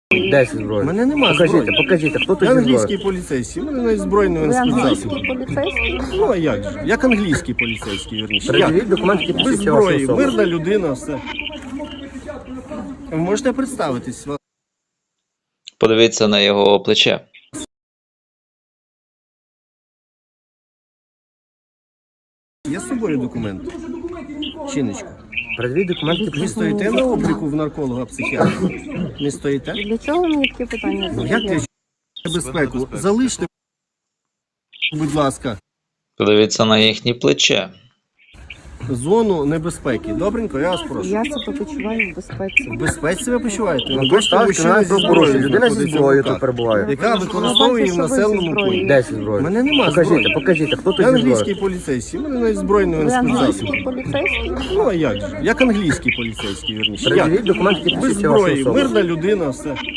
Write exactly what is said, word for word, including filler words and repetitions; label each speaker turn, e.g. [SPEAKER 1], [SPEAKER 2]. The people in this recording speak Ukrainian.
[SPEAKER 1] десять
[SPEAKER 2] У
[SPEAKER 1] зброї.
[SPEAKER 2] мене нема
[SPEAKER 1] Покажіть,
[SPEAKER 2] зброї.
[SPEAKER 1] покажіть, хто тут
[SPEAKER 2] Я
[SPEAKER 1] зі
[SPEAKER 2] англійський
[SPEAKER 1] зброєю?
[SPEAKER 2] поліцейський, у мене навіть збройний
[SPEAKER 3] Ви
[SPEAKER 2] спецзасіб.
[SPEAKER 3] англійський поліцейський?
[SPEAKER 2] Ну а як же? Як англійський поліцейський, вірніше.
[SPEAKER 1] Передивіть
[SPEAKER 2] Як?
[SPEAKER 1] документи, які
[SPEAKER 2] Без
[SPEAKER 1] посвідчують вашу
[SPEAKER 2] зброї,
[SPEAKER 1] особу.
[SPEAKER 2] мирна людина, все. Ви можете представитись?
[SPEAKER 4] Подивіться на його плече.
[SPEAKER 2] Є з собою документ? Чиночку.
[SPEAKER 1] Передивіть документи, які
[SPEAKER 2] Ви
[SPEAKER 1] посвідчують.
[SPEAKER 2] стоїте на обліку в нарколога, психіатра? Не стоїте?
[SPEAKER 3] Для чого ви мені таке питання
[SPEAKER 2] Ну, як
[SPEAKER 3] задаєте?
[SPEAKER 2] для безпеку? Залиште, будь ласка,
[SPEAKER 4] Подивіться на їхнє плече.
[SPEAKER 2] зону небезпеки. Добренько, я вас прошу.
[SPEAKER 3] Я себе почуваю в безпеці.
[SPEAKER 2] В безпеці себе почуваєте?
[SPEAKER 1] Ну,
[SPEAKER 2] Ви
[SPEAKER 1] тут
[SPEAKER 2] бачите,
[SPEAKER 1] так,
[SPEAKER 2] мужчина
[SPEAKER 1] кримінальне
[SPEAKER 2] зі
[SPEAKER 1] правопорушення.
[SPEAKER 2] зброєю
[SPEAKER 1] Людина зі
[SPEAKER 2] знаходиться в
[SPEAKER 1] зброєю
[SPEAKER 2] руках,
[SPEAKER 1] тут перебуває.
[SPEAKER 2] яка використовує її в
[SPEAKER 3] бачите, що ви зі
[SPEAKER 2] населеному
[SPEAKER 3] зброєю.
[SPEAKER 2] пункті.
[SPEAKER 1] десять зброї.
[SPEAKER 2] У мене нема
[SPEAKER 1] Покажіть,
[SPEAKER 2] зброї.
[SPEAKER 1] покажіть, хто тут
[SPEAKER 2] Я
[SPEAKER 1] зі
[SPEAKER 2] англійський
[SPEAKER 1] зброєю?
[SPEAKER 2] поліцейський, у мене навіть збройний
[SPEAKER 3] Ви
[SPEAKER 2] спецзасіб.
[SPEAKER 3] англійський поліцейський?
[SPEAKER 2] Ну а як же? Як англійський поліцейський, вірніше. Як?
[SPEAKER 1] Передивіть документи, які
[SPEAKER 2] Без
[SPEAKER 1] посвідчують вашу
[SPEAKER 2] зброї,
[SPEAKER 1] особу.
[SPEAKER 2] мирна людина, все.